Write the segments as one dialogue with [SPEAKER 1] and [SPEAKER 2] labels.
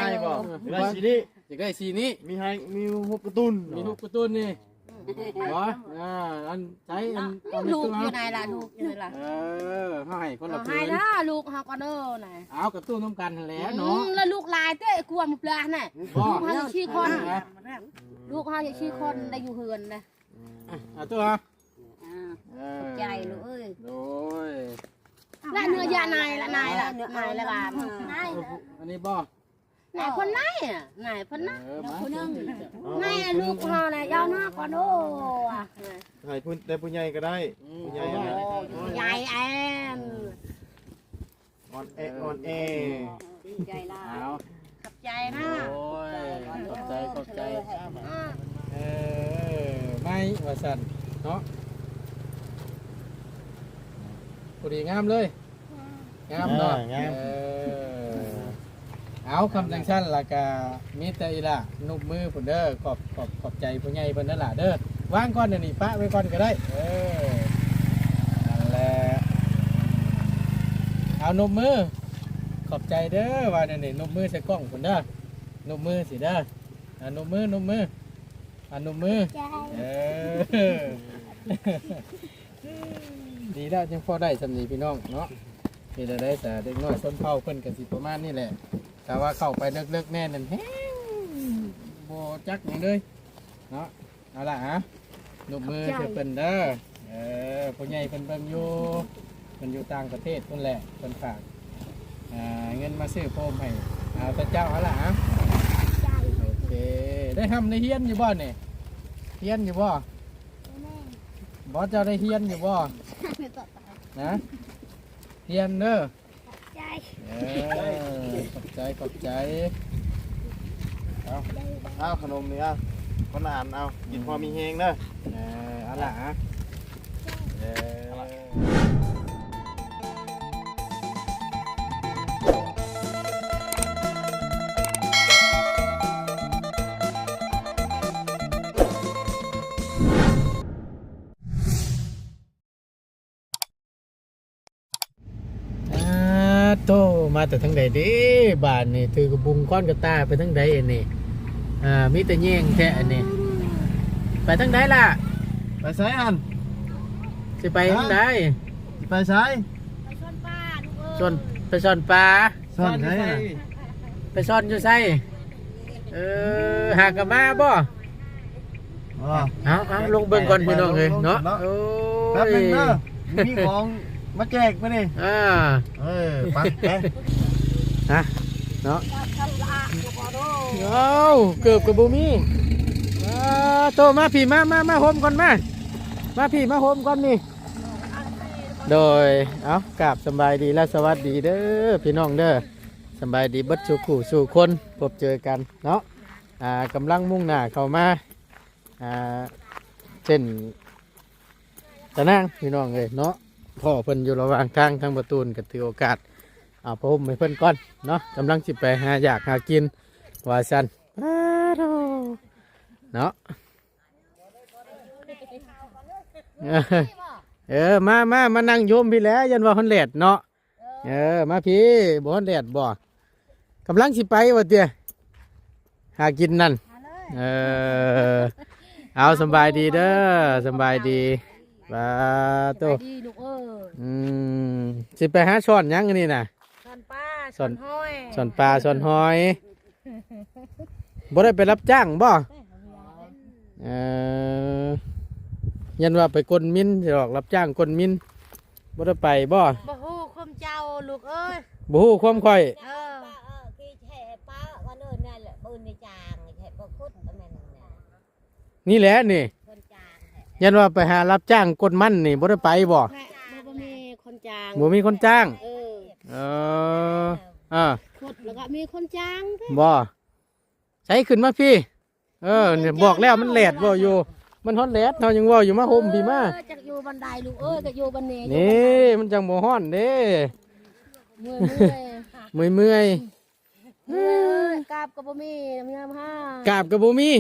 [SPEAKER 1] บ่ได้สีนี้
[SPEAKER 2] อยากได้สีนี้
[SPEAKER 1] มีหุบกระตุ้น
[SPEAKER 2] มีลูกกระตุ้นนี่บ่อันใช้อันเอาใน
[SPEAKER 3] ลูก
[SPEAKER 2] ตู้
[SPEAKER 3] อยู่ไหนล่ะลูกอยู่ไหนล่ะ
[SPEAKER 2] เขาให้คนละ
[SPEAKER 3] เอา
[SPEAKER 2] ผื
[SPEAKER 3] ให้
[SPEAKER 2] น
[SPEAKER 3] นะลูกเฮาก็เด้อน่ะ
[SPEAKER 2] เอากระตุ้นน้ำกันแหล้วเนาะ
[SPEAKER 3] แล้วลูกลายเต้กลัวมันปลาน่ะ
[SPEAKER 2] บ่
[SPEAKER 3] ลูกเฮาจะชี้คน
[SPEAKER 2] นะ
[SPEAKER 3] ลูกเฮาจะชี้คนได้อยู่เฮือนนะ
[SPEAKER 2] เอาตัวฮะ
[SPEAKER 3] ใจลูกเอ้ย
[SPEAKER 2] โดย
[SPEAKER 3] และเนื้อยานายละนายละนายละบาทนาย
[SPEAKER 2] อันนี้บ่
[SPEAKER 3] นายคนไหนอ่ะนายคนนั้น
[SPEAKER 2] มา
[SPEAKER 3] นายลูกเฮาน่ะยาวหน้าก่อนโอ้อะ
[SPEAKER 1] ให้ผู้ได้ผู้ใหญ่ก็ได้ผู้ใหญ่นะ
[SPEAKER 3] ใหญ่แอน
[SPEAKER 1] อ่อนแอ
[SPEAKER 3] ดีใจล่ะ
[SPEAKER 2] เอา
[SPEAKER 3] ขับใจนะ
[SPEAKER 2] โอ้ยขอบใจไม่ว่าสั่นเนาะพอดีงามเลยงามเนาะเอาคำจังชั้นละกามีแต่อีละนุบมือผมเด้อขอบใจผู้ใหญ่เพิ่นนั่นล่ะเด้อวางก้อนเดี๋ยวนี้ปะไว้ก้อนก็ได้นั่นแหละเอานุบมือขอบใจเด้อว่าเดี๋ยวนี้นุบมือใส่กล้องผมเด้อนุบมือสิเด้อนุบมือนุบมือดีแล้วยังพอได้สำนีพี่น้องเนาะนี่จะได้แต่เด็กน้อยส้นเผาเพิ่นกันสิประมาณนี่แหละแต่ว่าเข้าไปเลิกๆแน่นั่นแฮงโบจักอย่างเลยเนาะเอาล่ะฮะนุบมือเธอเพิ่นเด้อผู้ใหญ่เพิ่นเบิ่งอยู่ต่างประเทศนั่นแหละเพิ่นฝากเงินมาซื้อโฟมให้เอาแต่เจ้าเอาล่ะฮะโอเคได้ทำในเฮียนอยู่บ่เนี่ยเฮียนอยู่บ่บอสเจ้าได้เฮียนอยู่บ่นะเฮียนเด้อขอบใจ
[SPEAKER 1] เอาขนมนี่เอาคนอ่านเอากินพอมีแฮงเด้อ
[SPEAKER 2] เอาล่ะฮะโตมาแต่ทั้งใดเด้บ้านนี่ถือกระบุงก้อนกระตาไปทั้งใดอันนี้มีแต่แย่งแท้อันนี้ไปทั้งใดล่ะ
[SPEAKER 1] ไปใช้อัน
[SPEAKER 2] สิไปทั้งใด
[SPEAKER 1] ไปใช้
[SPEAKER 3] ไปชนป้าลูกเอ้ย
[SPEAKER 2] ชนไปซ่อนปลา
[SPEAKER 1] ซ่อนใช้
[SPEAKER 2] ไปซ่อนอยู่ไสหากะมาบ่เอาลงเบิ่งก่อนพี่น้องเลยเนาะโอ้
[SPEAKER 1] แป๊บ
[SPEAKER 2] ย
[SPEAKER 1] นึงเด้อมีของมาแจกมานี่ปักแก
[SPEAKER 2] เนาะเอาเกือบกับบูมี่โตมาพี่มาโฮมก่อนมาพี่มาโฮมก่อนนี่โดยเอากราบสบายดีและสวัสดีเด้อพี่น้องเด้อสบายดีบัดสู่ผู้สู่คนพบเจอกันเนาะกำลังมุ่งหน้าเข้ามาเช่นตะนางพี่น้องเลยเนาะพ่อเพิ่นอยู่ระหว่างทางประตูนก็ถือโอกาสพมให้เพิ่นก่อนเนาะกำลังสิไปหาอยากหากินว่าซั่นเนาะมานั่งโยมพี่แล้วยันว่าฮอนแลดเนาะมาพี่บ่ฮอนแลดบ่กำลังสิไปว่าเตี้ยหากินนั่นเอาสบายดีเด้อสบายดีบาโต
[SPEAKER 3] ดีลูกเอ้ย
[SPEAKER 2] สิไปหาช้อนยังนี่น่ะ
[SPEAKER 3] ชนป้าชนห้อย
[SPEAKER 2] ช้อนปลาช้อนหอยบ่ได้ไปรับจ้างบ่ยันว่าไปกลมินสิหรอกรับจ้างกลมินบ่ได้ไปบ่
[SPEAKER 3] ฮู้ความเจ้าลูกเอ้ย
[SPEAKER 2] บ่ฮู้ความค่อย
[SPEAKER 3] คือแช่ป้าวันเอิ้นนั่นแหละปืนในจางแช่บ่คุดอันนั้นน่ะ
[SPEAKER 2] นี่แหละนี่ยันว่าไปหารับจ้างกลมันนี่บ่ได้ไปบ่
[SPEAKER 3] บ่มีคนจาง
[SPEAKER 2] บ่มีคนจ้าง
[SPEAKER 3] คุดแล้วก็มีคนจาง
[SPEAKER 2] บ่ใช้ขึ้นมาพี่เนี่ยบอกแล้วมันแหลดบ่อยู่มันฮ้อนแหลดเฮายังว่าอยู่มาห่มพี่มา
[SPEAKER 3] จักอยู่บันไดลูกเอ้ยก็อยู่บันนี้
[SPEAKER 2] นี่มันจังบ่ฮ้อนเด้เมื่อย
[SPEAKER 3] กราบก็บ่มีน้ำยามห้าก
[SPEAKER 2] ราบก็บ่มี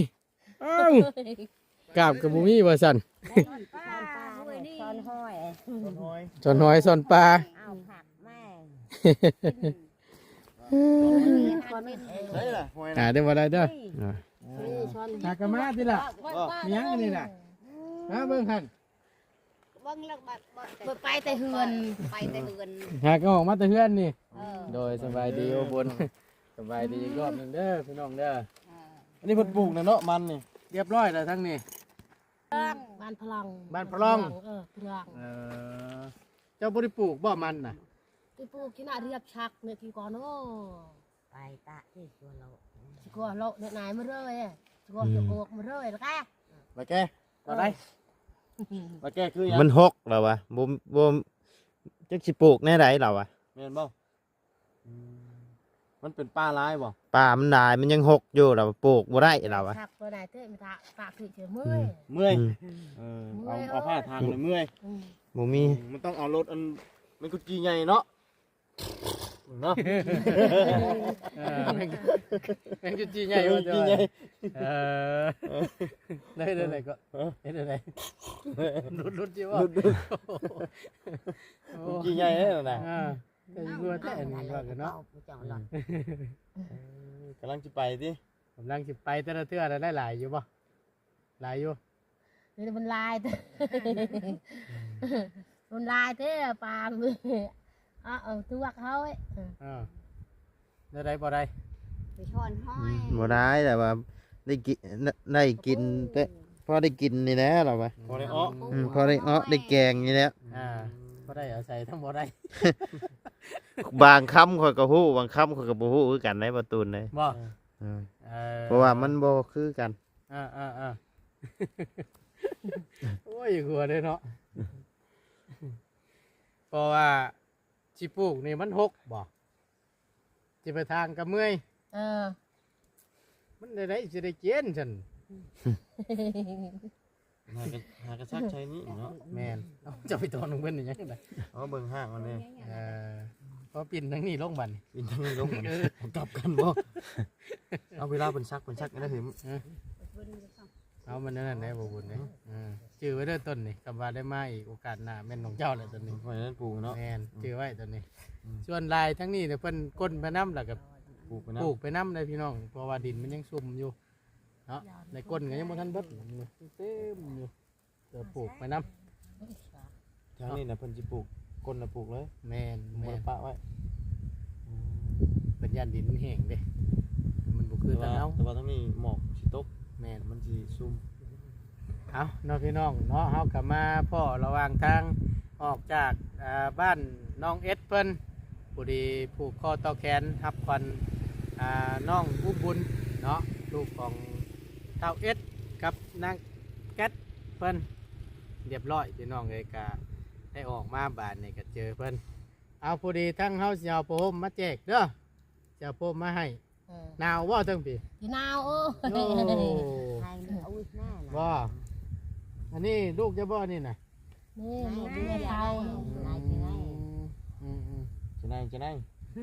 [SPEAKER 2] กราบก็บ่มีว่าซั่น
[SPEAKER 3] ซ่อนห้อย
[SPEAKER 2] ซ่อนหอยซ่อนปลา
[SPEAKER 3] เอาผักแม่
[SPEAKER 1] ได้ล่ะหวย
[SPEAKER 2] หา
[SPEAKER 1] น่ะ
[SPEAKER 2] ได้บ่ได้เด้อ
[SPEAKER 3] ช้อน
[SPEAKER 2] หากะมาติล่ะมีหยังอันนี้น่ะฮะเบิ่งหั่น
[SPEAKER 3] เบิ่งแล้วบ่ไปแต่เฮือนไปแต่เฮือน
[SPEAKER 2] หากะออกมาแต่เฮือนนี่
[SPEAKER 3] เออ
[SPEAKER 2] โดยสบายดีโอบนสบายดีอีกรอบหนึงเด้อพี่น้องเด้อ
[SPEAKER 1] อันนี้เพิ่นปลูกนะเนาะมันนี่
[SPEAKER 2] เรียบร้อยแล้วทั้งนี้
[SPEAKER 3] บ้านพลัง
[SPEAKER 2] บ้านพลอง
[SPEAKER 3] พลัง
[SPEAKER 2] เจ้าบ่ได้ปลูกบ่มันน่ะ
[SPEAKER 3] ที่ปลูกที่น่าเรียบชักเนี่ยที่ก่อนโอ้ไปตะที่ชวนเราที่ก่อนเราเนี่ยนายมาเลยที่ก่อนจะโกกมาเลยแล้วก็
[SPEAKER 1] มาแก้บ่ได้มาแก้คือหยัง
[SPEAKER 4] มันหกแล้ววะบ่จักสิปลูกแน่ใดแล้ววะ
[SPEAKER 1] แม่นบ่มันเป็นป่าร้ายบ่
[SPEAKER 4] ป่ามันหลายมันยังหกอยู่แล้วปลูกบ่ได้แล้ววะ
[SPEAKER 3] ชักตัวไหนเต้ไม่ตะปากคือเฉยเมื่อย
[SPEAKER 1] เมื่อย
[SPEAKER 4] อืม
[SPEAKER 1] เอาผ้าทางเลยเมื่อย
[SPEAKER 4] บ่มี
[SPEAKER 1] มันต้องเอารถอันมันกุจีใหญ่เนาะเนาะ
[SPEAKER 2] แม่งจุดจีใหญ่ว่าจะ
[SPEAKER 1] จีใหญ่
[SPEAKER 2] ได้ก็ได้รุดจีว่า
[SPEAKER 1] จีใหญ่เลยนะ
[SPEAKER 2] แต่ยัวแต่อันนี้ว่ากันเนาะ
[SPEAKER 1] กำลังจะไปดิ
[SPEAKER 2] กำลังสิไปแต่ละเทื่อได้หลายอยู่บ่หลายอยู่
[SPEAKER 3] นี่มันลายเต้มันลายเต้ปลามือตัวเขาเอ้
[SPEAKER 2] ได้บ่ได้
[SPEAKER 3] ไปช้อนห้อย
[SPEAKER 4] บ่ได้แต่ว่าได้กินแต่พอได้กินนี่แหละแล้ววะ
[SPEAKER 1] พอได้อ้อ
[SPEAKER 4] พอได้ได้แกงนี่แหละ
[SPEAKER 2] บ่ได้เอาใส่ทั้งบ่ได้
[SPEAKER 4] บางคำข่อยก็ฮู้บางคำข่อยก็บ่ฮู้คือกันในประตูนเลย
[SPEAKER 2] บ่
[SPEAKER 4] เพราะว่ามันบ่คือกัน
[SPEAKER 2] โอ้ยหัวเลยเนาะเพราะว่าสิปลูกนี่มันหกบ่สิไปทางกับเมื่อยมันได้สิได้เกณฑ์ฉัน
[SPEAKER 1] หากระชักใช้นี่เนาะ
[SPEAKER 2] แม่นเอาจะไปตอนลงเพิ่นนี่ยังไง
[SPEAKER 1] เอาเบิ่งห้างมันนี่
[SPEAKER 2] พอปิ่นทั้งนี้ลงบัดนี่
[SPEAKER 1] บินทางนี้ลงมันกลับกันบ่เอาเวลาเป็นชักได้ถึง
[SPEAKER 2] เอามันนั่นได้บ่บุญเด้ชื่อไว้เด้อต้นนี่กำว่าได้มาอีกโอกาสหน้าแม่นของเจ้าแหละต้นนี้
[SPEAKER 1] ไว้นั้นปลูกเนาะ
[SPEAKER 2] แม่นชื่อไว้ต้นนี้ส่วนลายทั้งนี้เนี่ยเพิ่นก้นไปน้ำแล้วก็
[SPEAKER 1] ปลูกไปนะ
[SPEAKER 2] ปลูกไปน้ำเลยพี่น้องเพราะว่าดินมันยังซุ่มอยู่เนาะในก้นก็ยังบ่ทันเบิดอยู่เต็มอยู่เดี๋ยวปลูกไปน้
[SPEAKER 1] แถวนี้นะเพิ่นสิปลูกก้นน่ะปลูกเลย
[SPEAKER 2] ำแม่น
[SPEAKER 1] บ่
[SPEAKER 2] แม่น
[SPEAKER 1] ได้ปะไว้
[SPEAKER 2] เป็นย่านดินมันแห้งเด้มันบ่คือ
[SPEAKER 1] แต่
[SPEAKER 2] ตะ
[SPEAKER 1] ว่า
[SPEAKER 2] เนา
[SPEAKER 1] แต่ว่าทั้งนี้หมอกสิตก
[SPEAKER 2] แม่น
[SPEAKER 1] มันสิซุ่ม
[SPEAKER 2] เอาเนาะพี่น้องเนาะเฮากลับมาพ่อระหว่างทางออกจากบ้านน้องเอสเพิ่นผู้ดีผูกคอต่อแขนรับควันน้องอุ้มบุญเนาะลูกของเต้าเอสกับนางแก๊สเพิ่นเรียบร้อยพี่น้องเลยกะได้ออกมาบ้านนี่ก็เจอเพิ่นเอาผู้ดีทั้งเฮาสิเอาผ้าห่มมาแจกเด้อจะเอาผ้าห่มมาให้หนาวบ่ทั้งพี่
[SPEAKER 3] ที่นาวโอ้
[SPEAKER 2] โอ้
[SPEAKER 3] ใครเอาหน้า
[SPEAKER 2] บ่อันนี้ลูกจะบ่นี่น่ะ
[SPEAKER 3] นี่ดูเตาไหนที่ไหน
[SPEAKER 1] จะไหน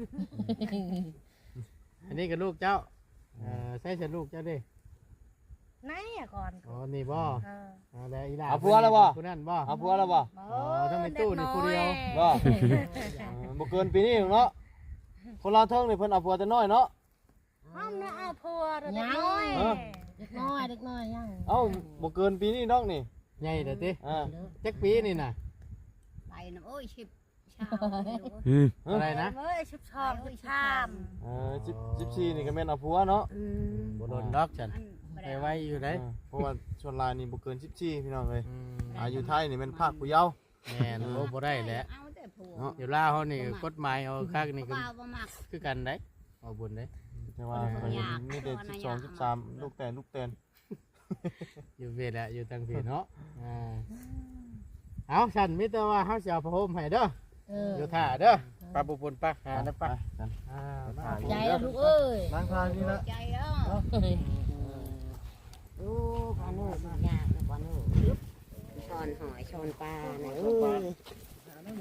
[SPEAKER 2] อันนี้ก็ลูกเจ้าใช่ฉันลูกเจ้าดิ
[SPEAKER 3] ไหนอ่ะก่อน
[SPEAKER 2] อ๋อนี่บ่แล้วอีหลา
[SPEAKER 1] เอาผัวแล้วบ่
[SPEAKER 2] ผู้นั้นบ่
[SPEAKER 1] เอาผัวแล้วบ่
[SPEAKER 2] ต้องมีตู้นี่ผู้เดียว
[SPEAKER 1] บ่บ่เกินปีนี้เนาะคนเราเทิงนี่เพิ่นเอาผัวแต่น้อยเนาะ
[SPEAKER 3] ห้องน่ะเอาพัวเด็กน้อยเด็กน้อยยัง
[SPEAKER 1] เอ้าบ่เกินปีนี้น้องนี่
[SPEAKER 2] ใหญ่เด้อติ
[SPEAKER 1] อ่า
[SPEAKER 2] จักปีนี่น่ะ
[SPEAKER 3] ไปนะโอ้ยชิบชาม
[SPEAKER 2] อะไรนะ
[SPEAKER 3] เอ้ยชิบชอบชิบชาม
[SPEAKER 1] 14นี่ก็แม่นเอาผัวเนาะ
[SPEAKER 2] บ่โดนดอกฉันไปไว้อยู่ได้
[SPEAKER 1] เพราะว่าชวนลายนี่บ่เกิน14พี่น้องเอ้ยอายุไทยนี่แม่นภาคผู้เยาว์
[SPEAKER 2] แม่นโอ้บ่ได้แหละ
[SPEAKER 3] เอาแต่ผัว
[SPEAKER 1] เนาะ
[SPEAKER 2] อยู่ลาวเฮานี่กฎหมายเอาคักนี่ก็
[SPEAKER 3] ว่าบ่มัก
[SPEAKER 2] คือกันได้เอาบุญได้
[SPEAKER 1] แต่ว่าเพิ่นมีแต่12 13ลูกแตน
[SPEAKER 2] อยู่เวทแหละอยู่ตั้งพี่เนาะเอาฉันมิแต่ว่าเฮาสิเอาผ้าห่มให้เด้ออยู่ท่าเด้อปลาบุญปลาหานะปะ
[SPEAKER 1] กัน
[SPEAKER 3] ใจลูกเอ้ย
[SPEAKER 1] นั่งทานนี่ละ
[SPEAKER 3] ใจอ่ะดูพานุยากนะพานุช้อนหอยช้อนปลาเนี่ยเอ้ย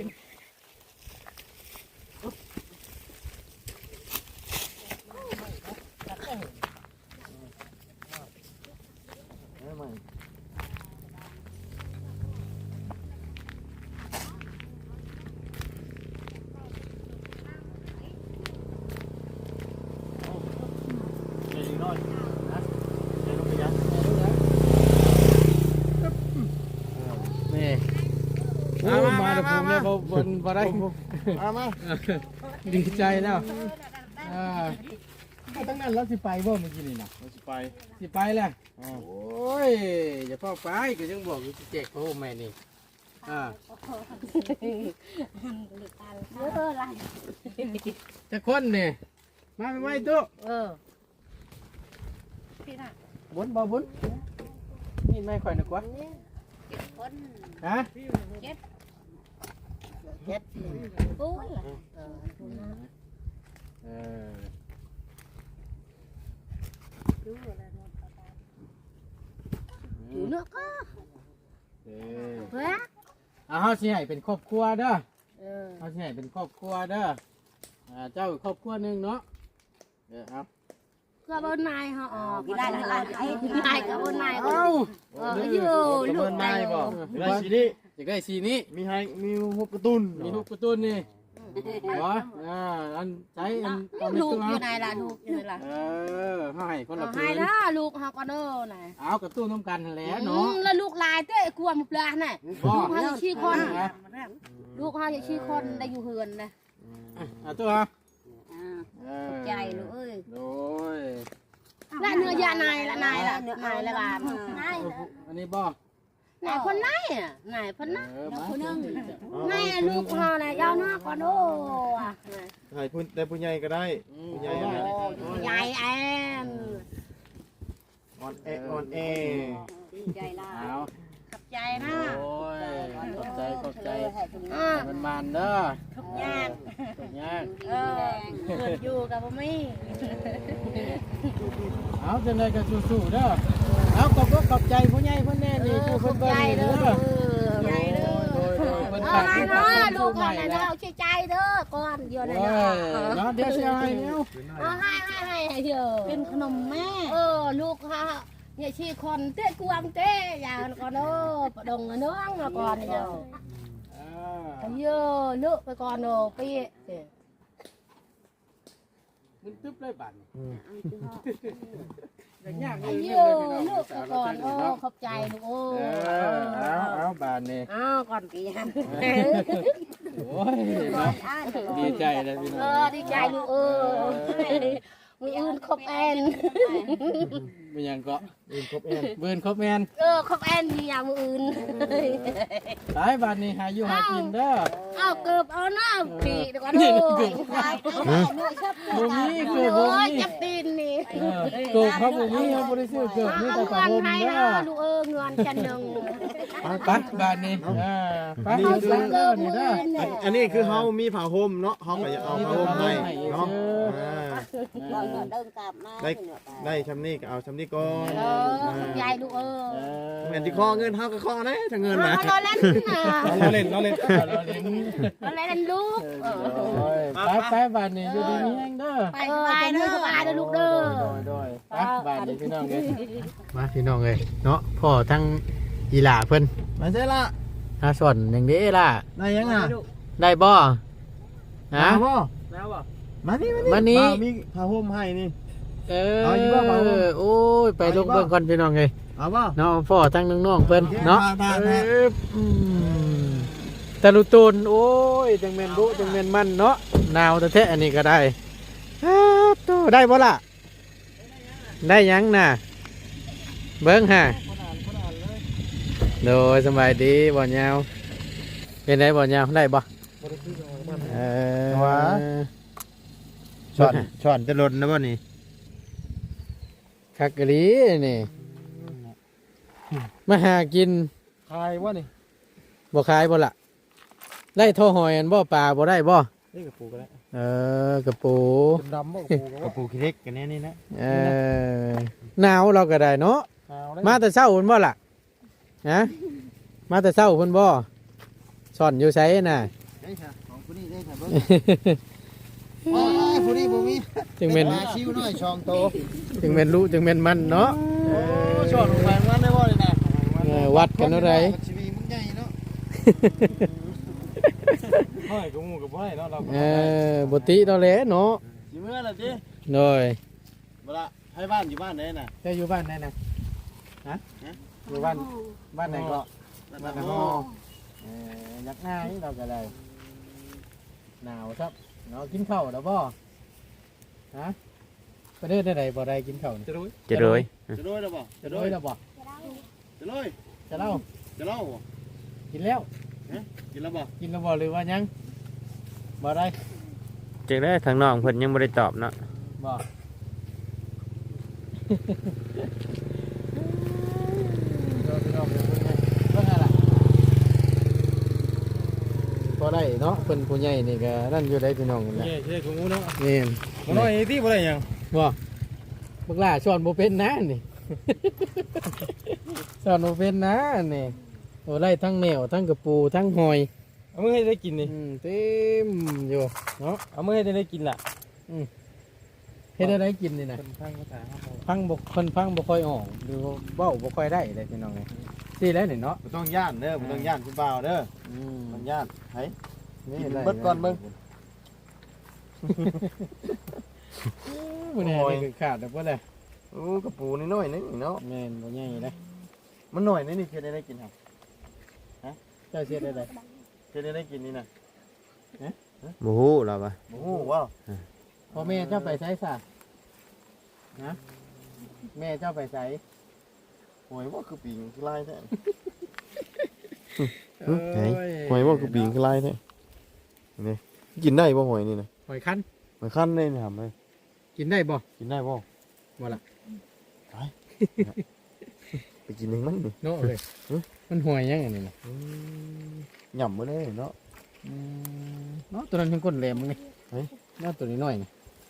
[SPEAKER 1] เอ้ยใหม่อยนะเดี๋ยวลงไปยัด
[SPEAKER 2] นี่โอ้มาเดี๋ยวผมเนี่ยบนบ่ได้
[SPEAKER 1] มา
[SPEAKER 2] ดีใจแล้วตั้งนั้นเราสิไปบ่เมื่อกี้นี่นะ
[SPEAKER 1] เราจะไป
[SPEAKER 2] สิไปแหละโอ้ยอย่าเฝ้าไปก็ยังบอกอยู่สิแจกโอ้แม่นี่จะคนนี่มาไม่ไหวตุ๊บุญบ่บุญนี่ไม่ค่อยนึกว่าฮะ
[SPEAKER 3] อยู่เนื้อก็เฮ้ย
[SPEAKER 2] เฮาสิให้เป็นครอบครัวเด้อเฮาสิให้เป็นครอบครัวเด้อเจ้าครอบครัวนึงเนาะครับ
[SPEAKER 3] ก็บนนายเขาออกได้ละนายกับบนนาย
[SPEAKER 2] เอ้า
[SPEAKER 3] อยู่ลูก
[SPEAKER 1] นายบอกได้สีนี้
[SPEAKER 2] จะได้สีนี้
[SPEAKER 1] มีหุบกระตุ้น
[SPEAKER 2] มีลูกกระตุ้นนี่เหรออันใช้อันตอนนี้
[SPEAKER 3] ลูก
[SPEAKER 2] ตัว
[SPEAKER 3] อยู่ไหนล่ะลูกอยู่ไหนล่ะ
[SPEAKER 2] ให้คนละ
[SPEAKER 3] ให้
[SPEAKER 2] พื้น
[SPEAKER 3] ละลูกเขาก็เด้อไหน
[SPEAKER 2] เอากระตุ้นน้ำกันแล้วเนาะ
[SPEAKER 3] แล้วลูกลายเต้กลัวมุกลาน่ะลูกเขาจะชี้คนลูกเขาจะชี้คนได้อยู่เฮือนนะ
[SPEAKER 2] ตัว
[SPEAKER 3] ใจลูกเอ้ย
[SPEAKER 2] โดย
[SPEAKER 3] และเนื้อยานายละนายละนายละบานนาย
[SPEAKER 2] อันนี้บ่
[SPEAKER 3] นายคนไหนอ่ะนายคนไหน
[SPEAKER 2] มา
[SPEAKER 3] คนนึงนายลูกเขาเนี่ยยาวหน้าก็โด
[SPEAKER 1] ถ่ายพูดแต่ผู้ใหญ่ก็ได้ผู้ใหญ่
[SPEAKER 3] ใหญ่แอน
[SPEAKER 1] ออนแอ
[SPEAKER 3] ใจละ
[SPEAKER 2] เอา
[SPEAKER 3] ขับใจนะ
[SPEAKER 2] โอ้ยขอบใจมันเด้อ
[SPEAKER 3] ทุกยาก
[SPEAKER 2] ทุกอย่าง
[SPEAKER 3] เกิดอยู่กับผมมี่
[SPEAKER 2] เอาจังไดก็สู้ๆเด้อเอาขอบใจผู้ใหญ่ผู้แน่นี่ผู้เพิ่นเบิ่งนี่เด้อ
[SPEAKER 3] ใหญ่เด้อ
[SPEAKER 2] เพิ่น
[SPEAKER 3] เอา
[SPEAKER 2] ฝาก
[SPEAKER 3] ให้
[SPEAKER 2] ที่
[SPEAKER 3] เนาะ
[SPEAKER 2] ลู
[SPEAKER 3] ลู
[SPEAKER 2] ก
[SPEAKER 3] ก
[SPEAKER 2] ให
[SPEAKER 3] ก่อ
[SPEAKER 2] ม่
[SPEAKER 3] นนะ
[SPEAKER 2] แล้
[SPEAKER 3] เด้
[SPEAKER 2] ว
[SPEAKER 3] อชื่อใจเด้อก่อนเดี๋ยวนะ
[SPEAKER 2] โอ้ยเนาะเดี๋ยวสิให้แล้ว
[SPEAKER 3] เอาให้เถอะเป็นขนมแม่ลูกค่ะเนี่ยชีคนเต้กวางเต้อย่างก่อนเด้อประดงเนื้อก่อนเด้อเยอะเลือกไปก่อนเด้อปี
[SPEAKER 2] มันตึ๊บเลยบัดยาก
[SPEAKER 3] เยอะเลือกไปก่อนขอบใจลูก
[SPEAKER 2] เอาบาดนี่
[SPEAKER 3] ก่อนปีฮัน
[SPEAKER 2] โอ้ยดีใจเลยพี่น้อง
[SPEAKER 3] ดีใจลูกมืออื่นครบแอน
[SPEAKER 2] เป็นยังก็
[SPEAKER 1] ครบแอน
[SPEAKER 2] เบิร์นครบแมน
[SPEAKER 3] ครบแอนมีอย่างมืออื่น
[SPEAKER 2] หลายบาทนี่หาอยู่หากินเด้อ
[SPEAKER 3] เอาเกือบเอาหน้าปีเดี๋ยวก่อน
[SPEAKER 2] นี่
[SPEAKER 3] ดู
[SPEAKER 2] เกือบบ่มีเกือบบ่มี
[SPEAKER 3] จับตีนนี่
[SPEAKER 2] เกือบเขาบ่มีเขาบ่ได้ซื้อเกือบมีแต่ผ้าห่ม
[SPEAKER 3] ให้
[SPEAKER 2] เด้อ
[SPEAKER 3] ลูกเงินจันหนึ่ง
[SPEAKER 2] ไปบาทนี่ไป
[SPEAKER 3] เอา
[SPEAKER 2] ดู
[SPEAKER 3] สักเกื
[SPEAKER 2] เด้
[SPEAKER 3] อ
[SPEAKER 2] อบ
[SPEAKER 3] มื
[SPEAKER 2] นี่
[SPEAKER 3] อ
[SPEAKER 2] เด้อ
[SPEAKER 3] อื่น
[SPEAKER 1] อันนี้คือเขามีผ้าห่มเนาะเขาก็จะเอาผ้าห่มให้เนาะได้ชำนี่ก็เอาชำนี่ก่อน
[SPEAKER 3] ยายลูก
[SPEAKER 1] เหมือนที่คอเงินเขาก็คอนะถ้าเงินนะ
[SPEAKER 3] เราเล่นนะ
[SPEAKER 1] เราเล่น
[SPEAKER 3] เราเล่นลูก
[SPEAKER 2] ไปบาทนี่อยู่ดีมีแห้งเด้อ
[SPEAKER 3] ไปเด้อไปเด้อลูกเด้อ
[SPEAKER 2] โดยไปบาทนี่พี่น้องเอ้ยมาพี่น้องเอ้ยเนาะพ่อทั้งอีหล่าเพิ่น
[SPEAKER 1] มาใช่ละ
[SPEAKER 2] หาส่วนอย่างนี้ล่ะ
[SPEAKER 1] ได้ยังอ่ะ
[SPEAKER 2] ได้บ่ฮะ
[SPEAKER 1] บ่
[SPEAKER 2] แล้วบ่
[SPEAKER 1] มานี่ มีผ้าห่มให้นี่
[SPEAKER 2] เอาอยู่บ่เปล่าโอ้ยไปลงเบิ่งก่อนพี่น้องเอ้ย
[SPEAKER 1] เอาบ่
[SPEAKER 2] เนาะพ่อทั้งน้องๆเพิ่นเนาะ
[SPEAKER 1] ทาน
[SPEAKER 2] แต่ลูกตูนโอ้ยจังแม่นบุจังแม่นมันเนาะหนาวแท้ๆอันนี้ก็ได้โตได้บ่ล่ะได้ยังน่ะเบิ่งฮะโดยสบายดีบ่ยาวเป็นไดบ่ยาวได้บ่
[SPEAKER 1] ช้อนจะหล่นนะบ่นี่
[SPEAKER 2] คักกะลีนี่มาหากิน
[SPEAKER 1] คายว่านี่
[SPEAKER 2] บ่ขายบ่ล่ะได้โทหอยอันบ่ปลาบ่ได้บ่
[SPEAKER 1] นี่กับปูก็ได้
[SPEAKER 2] กระปู
[SPEAKER 1] ดำบ่กับปูขี้เล็กกันแน่นี่นะ
[SPEAKER 2] หนาวเราก็ได้เนาะมาแต่เช้าพุ่นบ่ล่ะฮะมาแต่เช้าพุ่นบ่ซ่อนอยู่ไสน่ะ
[SPEAKER 1] ได้ค่ะของผู้นี้ได้ค่ะเบิ่งผู้นี้บ่มี
[SPEAKER 2] จึงแม่น
[SPEAKER 1] ชิวน้อยช่องโต
[SPEAKER 2] จึงแม่นรู้จึงแม่นมันเนาะ
[SPEAKER 1] ช่อนแขวนวันได้บ่นี่นะ
[SPEAKER 2] วัดกันเท่าไหร่
[SPEAKER 1] ชีวิตมึงใหญ่เนาะห้อยกับหมู่กับห้อยเนาะเรา
[SPEAKER 2] บ่ติเราแหละเนาะ
[SPEAKER 1] สิเมื่อล่ะติ
[SPEAKER 2] โดย
[SPEAKER 1] บ่ละให้บ้านอยู่บ้านไหนน่ะ
[SPEAKER 2] เจ้าอยู่บ้านไหนนะฮะอยู่บ้านไหนก็บ้านฮอยักหน้านี่เราก็ได้หนาวครับเนาะกินข้าวแล้วบ่ฮะไปเดินได้ไหนบ่ได้กินข้าวจะรู้
[SPEAKER 4] จะเลย
[SPEAKER 1] จะด้วยหรือเปล่า
[SPEAKER 2] จะรู้แล้วบ่
[SPEAKER 1] จะด้วย
[SPEAKER 2] จะเล่า
[SPEAKER 1] จะเล่า
[SPEAKER 2] กินแล้ว
[SPEAKER 1] กินแล้วบ่
[SPEAKER 2] กินแล้วบ่หรือว่ายังบ่ได้
[SPEAKER 4] จังได้ทางน้องเพิ่นยังบ่ได้ตอบเนาะ
[SPEAKER 2] บ่เราไปลองดูไงเพิ่นอะไรบ่ได้เนาะเพิ่นผู้ใหญ่นี่ก็นั่นอยู่ได้พี่น้องนั่นแหละ
[SPEAKER 1] ใช่ของงูเนาะ
[SPEAKER 2] นี่
[SPEAKER 1] บ่น้อยที่บ่ได้หยัง
[SPEAKER 2] บ่บักหล่าสอนบ่เป็นนะนี่ สอนบ่เป็นนะนี่โอ้ไล่ทั้งแมวทั้งกระปูทั้งหอย
[SPEAKER 1] เอามื้อให้ได้กินนี่
[SPEAKER 2] เต็มอยู่เนาะ
[SPEAKER 1] เอามื้อให้ได้กินล่ะ
[SPEAKER 2] เฮ็ดอะไรกินนี่นะ
[SPEAKER 1] เป็นทางภาษาเฮา
[SPEAKER 2] ฟังบ่คนฟังบ่ค่อยออกหรือว่าเว้าบ่ค่อยได้เลยพี่น้องนี่สิแล้วนี่เนาะ
[SPEAKER 1] บ่ต้องย่านเด้อบ่ต้องย่านคุณบ่าวเด้อ
[SPEAKER 2] อืม
[SPEAKER 1] มันย่านไผ
[SPEAKER 2] นี่
[SPEAKER 1] กิน
[SPEAKER 2] ได้
[SPEAKER 1] เบิดก่อนเบิ่ง
[SPEAKER 2] มื้อนี้นี่คือขาดแล้วบ่ล่ะ
[SPEAKER 1] โอ้กระปูน้อยๆนี่เนาะ
[SPEAKER 2] แม่นบ่ใหญ่เลย
[SPEAKER 1] มันน้อยนี่เฮ็ดได้กินครับ
[SPEAKER 2] เจ้าเฮ็ดได้ได
[SPEAKER 1] เฮ็ดได้กินนี่น่ะ
[SPEAKER 4] บ่ฮู้หรอวะ
[SPEAKER 1] โอ้โหว้าว
[SPEAKER 2] พ่อแม่เจ้าไปไสซะฮะแม่เจ้าไปไส
[SPEAKER 1] โอ้ยว่าคือปิงคือลายแท้
[SPEAKER 4] ไหน
[SPEAKER 1] หอยว่าคือปิงคือลายแท้นี่กินได้บ่หอยนี่น่ะ
[SPEAKER 2] หอยคั้น
[SPEAKER 1] มันคั้นได้นี่ครับเอ้ย
[SPEAKER 2] กินได้บ่
[SPEAKER 1] กินได้บ่
[SPEAKER 2] บ่ล่ะ
[SPEAKER 1] ไปกินเองมันนี่
[SPEAKER 2] เนาะเลยมันหอยยังอันนี้น่ะ
[SPEAKER 1] หย่ำมาเลยเนาะ
[SPEAKER 2] เนาะตัวนั้นเป็นก้นแหลมมึงนี่
[SPEAKER 1] เฮ้ย
[SPEAKER 2] เนาะตัวนี้น้อยนี่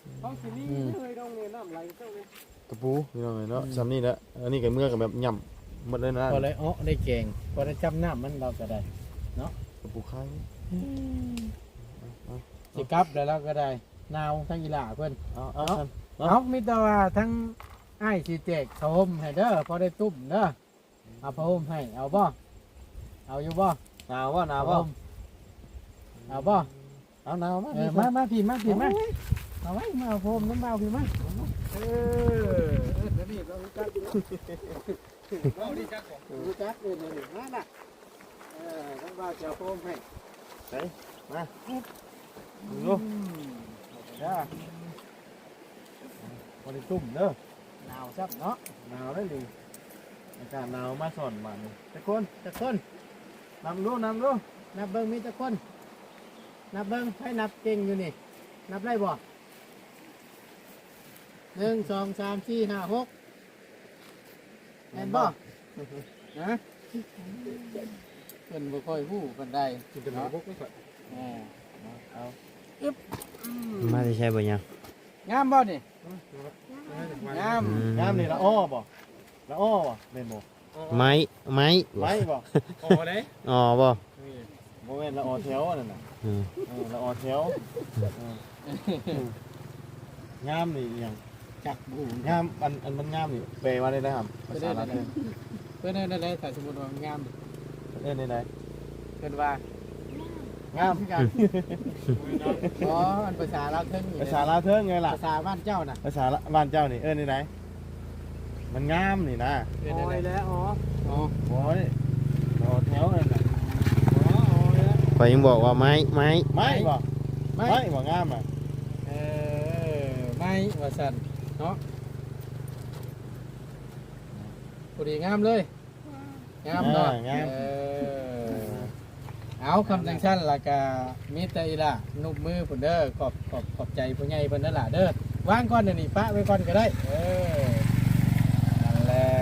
[SPEAKER 1] ตะปูนี่น้อยเนาะซ้ำนี่แหละอันนี้ก็เมื่อกับแบบหย่ำหมดเลยนะ
[SPEAKER 2] พอได้ได้แกงพอได้จับน้ำมันเราก็ได้
[SPEAKER 1] ตะปูไข่
[SPEAKER 2] สิกลับแล้วเราก็ได้นาวทั้งอีหล่าเพิ่น
[SPEAKER 1] เอา
[SPEAKER 2] เอามีแต่ว่าทั้งไอ้ายสิแจกผ้าห่มให้เด้อพอได้ตุ้มเด้อเอาผ้าห่มให้เอาบ่เอาอยู่บ่
[SPEAKER 1] หนาวว่าหนาว
[SPEAKER 2] ผ้า
[SPEAKER 1] ว่า
[SPEAKER 2] ห่มเอาบ่
[SPEAKER 1] เอาหนาวมา
[SPEAKER 2] มาพี่มาพี่มาเอาไว้มาเอาผ้าห่มน้ำเบาพี่มาเดี๋ยวนี้เรารู้จักเราดีจักรู้จักเลยนี่มาน่ะน้ำเบาจะเอาผ้าห่มให้
[SPEAKER 1] ดู
[SPEAKER 2] จ้า
[SPEAKER 1] พอได้ตุ่มเด้อ
[SPEAKER 2] หนาวซับเนาะ
[SPEAKER 1] หนาวได้เลยอากาศหนาวมาสอนมานี่
[SPEAKER 2] จักคน
[SPEAKER 1] นำดู
[SPEAKER 2] นับเบิ้งมีจักคน นับเบิ้งให้นับเก่งอยู่นี่ นับได้บ่1 2 3 4 5 6แม่นบ่นะเพิ่นบ่ค่อยฮู้ปานใด
[SPEAKER 1] กินแต่หมูพวกไม่ค่อย
[SPEAKER 2] เอา
[SPEAKER 4] มาได้ใช้บ่ยัง
[SPEAKER 2] งามบ่นี่งาม
[SPEAKER 1] งามนี่ละอ้อบ่ละอ้อบ่เล่นบ่
[SPEAKER 4] ไม้ไม้
[SPEAKER 1] ไม้บ่
[SPEAKER 2] โอ้เด้
[SPEAKER 4] อ๋อบ่
[SPEAKER 1] บ่แม่นละอ้อแถวนั่นน่ะ
[SPEAKER 4] อืม
[SPEAKER 1] ละอ้อแถวงามนี่อหยัง
[SPEAKER 2] จักบู
[SPEAKER 1] งามอันมันงามนี่แปลว่าได้นะครับภาษาลาวเ
[SPEAKER 2] เพิ่นได้ได้ถ้าสมมุติว่างาม
[SPEAKER 1] อ้ยได้
[SPEAKER 2] เพิ่นว่าง
[SPEAKER 1] าม
[SPEAKER 2] คือกันอ๋ออันภาษาลาวเทิงนี่
[SPEAKER 1] ภาษาลาวเทิงไงล่ะ
[SPEAKER 2] ภาษาบ้านเจ้าน่ะ
[SPEAKER 1] ภาษาบ้านเจ้านี่ได้มันงามนี่นะ
[SPEAKER 2] เพิ่นได้แล้วอ๋อ
[SPEAKER 1] โอ้ยละอ้อแถวนั่นน่ะ
[SPEAKER 4] ข่อยยังบอกว่าไม้ไม้
[SPEAKER 1] ไม้บ่
[SPEAKER 2] ไม่
[SPEAKER 1] ไม้บ่งามอ่ะ
[SPEAKER 2] ไม่ว่าสันเนาะพอดีงามเลยงามเนาะเอาคำจังชั้นละกามิตรอีละนุบมือผุนเด้อขอบใจผู้ใหญ่เพิ่นนั่นล่ะเด้อวางก่อนเดี๋ยวนี้ปะไว้ก่อนก็ได้นั่นแหละ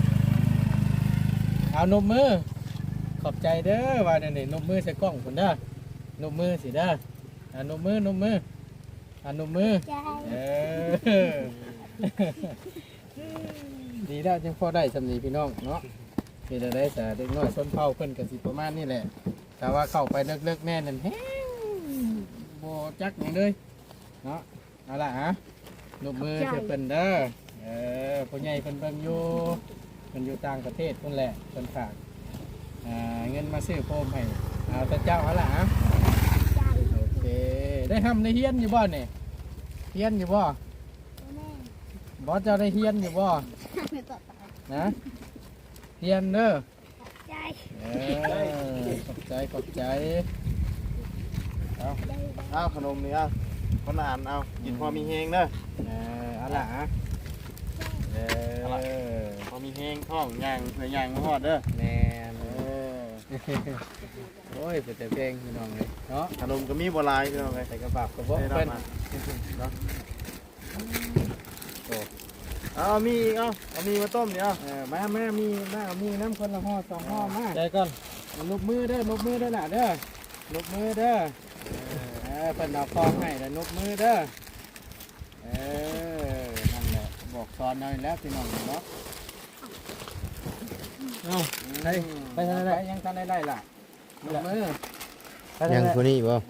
[SPEAKER 2] เอานุบมือขอบใจเด้อว่าเดี๋ยวนี้นุบมือใส่กล้องผุนเด้อนุบมือสิเด้อนุบมือนุบมือดีแล้วจังพอได้สำนีพี่น้องเนาะมีแต่ได้แต่เด็กน้อยส้นเผาเพิ่นกันสิประมาณนี่แหละแต่ว่าเข้าไปเลิกๆแน่นั่นแห้งโบจักอย่างเลยเนาะเอาล่ะฮะนุบมือเชื่อเพิ่นเด้อผู้ใหญ่เพิ่นเบิ่งอยู่เพิ่นอยู่ต่างประเทศเพิ่นแหละเพิ่นฝากเงินมาซื้อโฟมให้เอาแต่เจ้าเอาล่ะฮะโอเคได้ทำได้เฮียนอยู่บ่เนี่ยเฮียนอยู่บ่บบ่เจ้าได้เฮียนอยู่บ่นะเฮียนเด้อขอบใจขอบใจ
[SPEAKER 4] เอาขนมนี่เอาคนอ่านเอากินพอมีแฮงเด้อ
[SPEAKER 2] เอาล่ะ
[SPEAKER 4] พอมีแฮงท้องย่างเผื่อย่างมาฮอดเด้อ
[SPEAKER 2] แม่โอ้ยเป็นแต่เพลงพี่น้องเลยเนาะ
[SPEAKER 4] ขนมก็มีบ่หลายพี่น้องเอ้ย
[SPEAKER 2] ใส่กระบะกระบอกเพิ่น
[SPEAKER 4] เอามีอีกเอามีมาต้มนี่เอา
[SPEAKER 2] มามีน้ำคนละห่อสองห่อมา
[SPEAKER 4] ใจก่อน
[SPEAKER 2] ลูกมือเด้อลูกมือเด้อล่ะเด้อลูกมือเด้อเพิ่นเอาคองให้แล้วลูกมือเด้อนั่นแหละบอกสอนหน่อยแล้วพี่น้องเนาะไปทางไหนยังทางไหนล่ะลูกมือ
[SPEAKER 4] ยังคนนี้บ่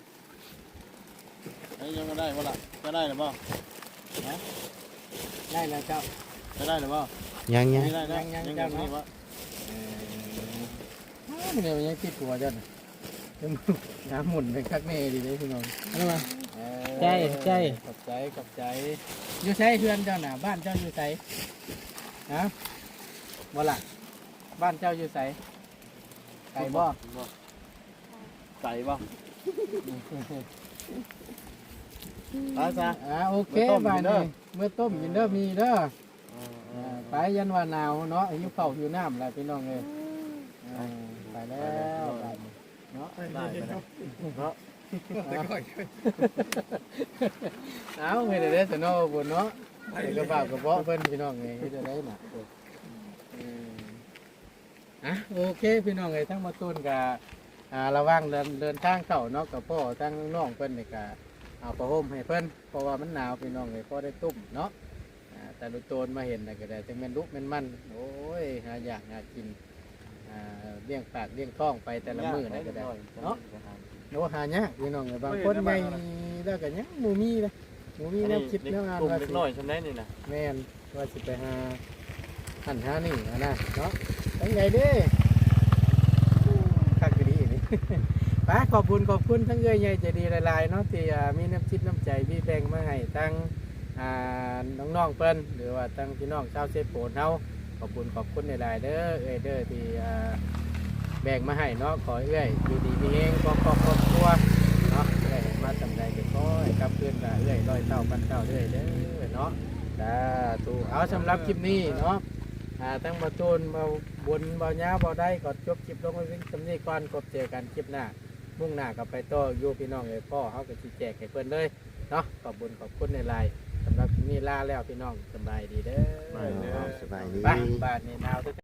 [SPEAKER 4] ยังบ่ได้บ่ล่ะจะได้หรือบ่
[SPEAKER 2] ได้แล้วเจ้า
[SPEAKER 4] จะได้หรือบ่ยังยัง
[SPEAKER 2] ยังเจ้าเนาะเดี๋ยวยังติดหัวจ้ะน้ำหมุนเป็นคักแน่ดีเลยพี่น้องเอามาใจขอบใจอยู่ไสเพื่อนเจ้าน่ะบ้านเจ้าอยู่ไสฮะบ่ล่ะบ้านเจ้าอยู่ไสไก่บ่
[SPEAKER 4] ไก่บ่ไปซะ
[SPEAKER 2] โอเคบ้านนี้เมื่อต้มกินเด้อมีเด้อไปยันว่าหนาวเนาะหิวข้าวหิวน้ำแล้วพี่น้องเอ้ยไปแล้วเนาะ
[SPEAKER 4] ได้ไปแล้วเนาะ
[SPEAKER 2] เอาเฮ็ดได้ซะเนาะบ่เนาะกระบะกระเบาะเพิ่นพี่น้องเอ้ยเฮ็ดได้น่ะโอเคพี่น้องเอ้ยทั้งมาต้นก็ระวังเดินทางเข้าเนาะกับพ่อทั้งน้องเพิ่นนี่ก็เอาผ้าห่มให้เพิ่นเพราะว่ามันหนาวพี่น้องเอ้ยพอได้ตุ้มเนาะแต่ดูโตนมาเห็นน่ะก็ได้จังแม่นลุกแม่นมันโอ้ยหาอยากหากินเลี้ยงปากเลี้ยงท้องไปแต่ละมื้อนั่นก็ได้เนาะโนหายากพี่น้องเอ้ยบางคนใหญ่แล้วก็ยังบ่มีเลยบ่มีแนวคิดแนวงานว่า
[SPEAKER 4] เล็กน้อยซำได้นี่น่ะ
[SPEAKER 2] แม่นว่าสิไปหาหันหานี่นะเนาะเป็นไงเด้คักดีนี่ ป้าขอบคุณทั้งเอ้ยใหญ่ใจดีหลายๆเนาะที่มีน้ำจิตน้ำใจพี่แบ่งมาให้ทั้งน้องๆเพิ่นหรือว่าทั้งพี่น้องชาวเซโปนเฮาขอบคุณหลายๆเด้อเอ้ยเด้อที่แบ่งมาให้เนาะขอเอ้ยอยู่ดีมีเองครอบครัวเนาะเอ้ยมาทำได้ก็ขอให้กลับคืนละเอ้ยร้อยเท่าพันเท่าเด้อเด้อเนาะถูกเอาสำหรับคลิปนี้เนาะทั้งมาตูนมาบนมาเงาบาได้ก็จบคลิปลงไว้สำนีก่อนกบเจอกันคลิปหน้ามุ่งหน้ากับไปต่ออยู่พี่น้องเลยพ่อเขาก็ชี้แจกให้เพื่อนเลยเนาะขอบคุณในไลน์สำหรับคลิปนี้ลาแล้วพี่น้องสบายดีเด้อ
[SPEAKER 4] สบายดี
[SPEAKER 2] บ้านนี่หนาว